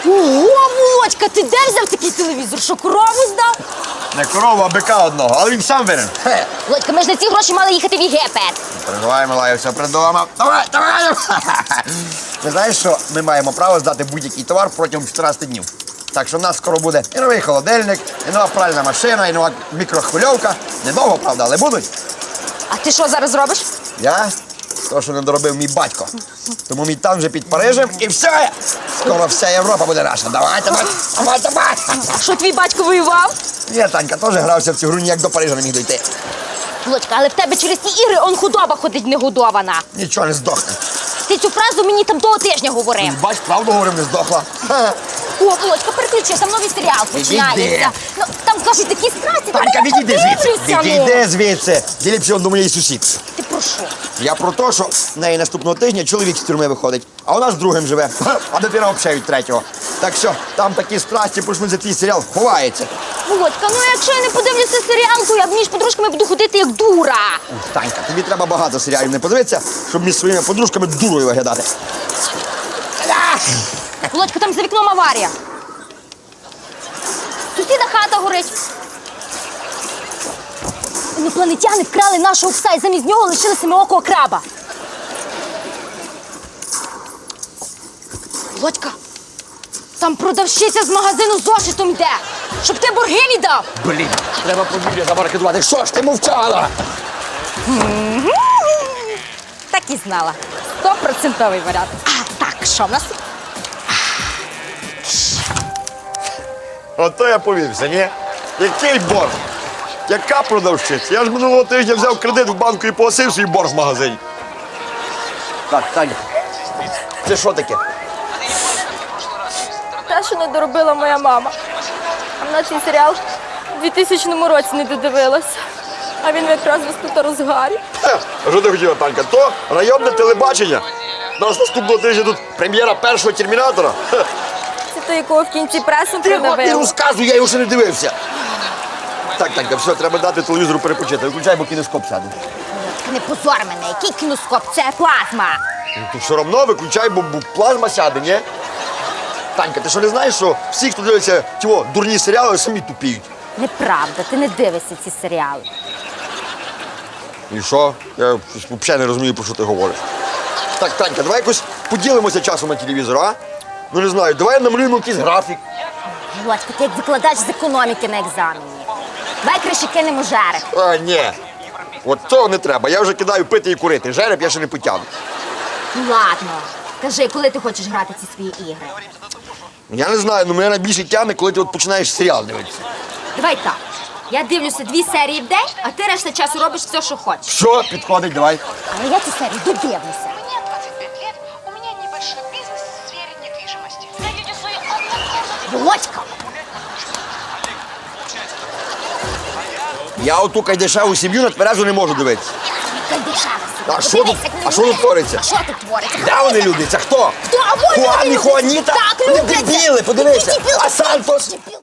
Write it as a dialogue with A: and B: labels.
A: О, Володька, ти де взяв такий телевізор? Що, корову здав?
B: Не корову, а бика одного, але він сам винен.
A: Володька, ми ж на ці гроші мали їхати в Єгипет.
B: Переживай, Милая, все придумав. Давай! Ти знаєш, що ми маємо право здати будь-який товар протягом 14 днів. Так що в нас скоро буде і новий холодильник, і нова пральна машина, і нова мікрохвильовка. Недовго, правда, але будуть.
A: А ти що зараз робиш?
B: Я? То, що не доробив мій батько. Тому мій там вже під Парижем, і все! Скоро вся Європа буде наша. Давай!
A: А що твій батько воював?
B: Ні, Танька теж грався в цю гру, ніяк до Парижа не міг дойти.
A: Володька, але в тебе через ці ігри он худоба ходить негодована.
B: Нічого не здохне.
A: Ти цю фразу мені там того тижня говорив.
B: Бач, правду говорив, не здохла.
A: О, Володька, переключи, там новий серіал починається. Ну, там кажуть такі страсті,
B: Танька, відійди звідси.
A: ну.
B: Відійди звідси. Діліпся он до моєї сусід.
A: Ти про що?
B: Я про те, що в неї наступного тижня чоловік з тюрми виходить, а вона з другим живе, а дитина взагалі від третього. Так що там такі страсті, почнуть за твій серіал ховається.
A: Володька, ну якщо я не подивлюся серіал, то я між подружками буду ходити як дура.
B: Танька, тобі треба багато серіалів не подивитися, щоб між своїми подружками дурою виглядати.
A: Володька, там за вікном аварія. Сусіда хата горить. Інопланетяни вкрали нашого пса і замість нього лишили семиокого краба. Володька, там продавщиця з магазину зошитом йде, щоб ти борги віддав.
B: Блін, треба подвір'я забарикадувати. Що ж ти мовчала?
A: Так і знала. 100% варіант. А, так, що в нас?
B: Ото я повівся, ні? Який борг? Яка продавщиця? Я ж минулого тижня взяв кредит в банку і погасив свій борг в магазині. Так, Таня, це що таке?
C: Те, що не доробила моя мама. А вона цей серіал у 2000 році не додивилася. А він якраз в розгарі.
B: А що ти хотіла, Танька? То районне телебачення. У нас наступного тижня тут прем'єра першого термінатора.
C: Це той, якого в кінці пресом
B: Ти
C: придавили.
B: розказуй, я його ще не дивився. Так, Танька, все, треба дати телевізору перепочити. Виключай, бо кінескоп сяде.
A: Не позор мене, який кіноскоп, це плазма.
B: Ти все одно виключай, бо плазма сяде, ні? Танька, ти що не знаєш, що всі, хто дивиться ті дурні серіали, самі тупіють?
A: Неправда, ти не дивишся ці серіали.
B: І що? Я взагалі не розумію, про що ти говориш. Так, Танька, давай якось поділимося часом на телевізор, а? Ну не знаю, давай намалюємо якийсь графік.
A: Володька, ти як викладач з економіки на екзамені. Давай краще кинемо жереб.
B: А, ні. От цього не треба. Я вже кидаю пити і курити. Жереб я ще не потягну.
A: Ну ладно, кажи, коли ти хочеш грати ці свої ігри?
B: Я не знаю, мене найбільше тягне, коли ти починаєш серіал дивитися.
A: Давай так. Я дивлюся 2 серії в день, а ти решта часу робиш все, що хочеш.
B: Що? Підходить, давай.
A: Але я ці серії додивлюся.
D: Мне 25 лет, у меня небольшой бизнес в сфере недвижимости. Найдите свои...
A: Володька!
B: Я оту кайдешеву сім'ю на тверезу не можу дивитися. А що тут- а що тут твориться?
A: А що тут твориться?
B: Де вони люди? Це хто?
A: Хто? А вони
B: Хуан і
A: люблять.
B: Хуаніта?
A: Так,
B: Вони
A: люблять.
B: дебіли, подивися.
A: Які дебіли?
B: А Сантос?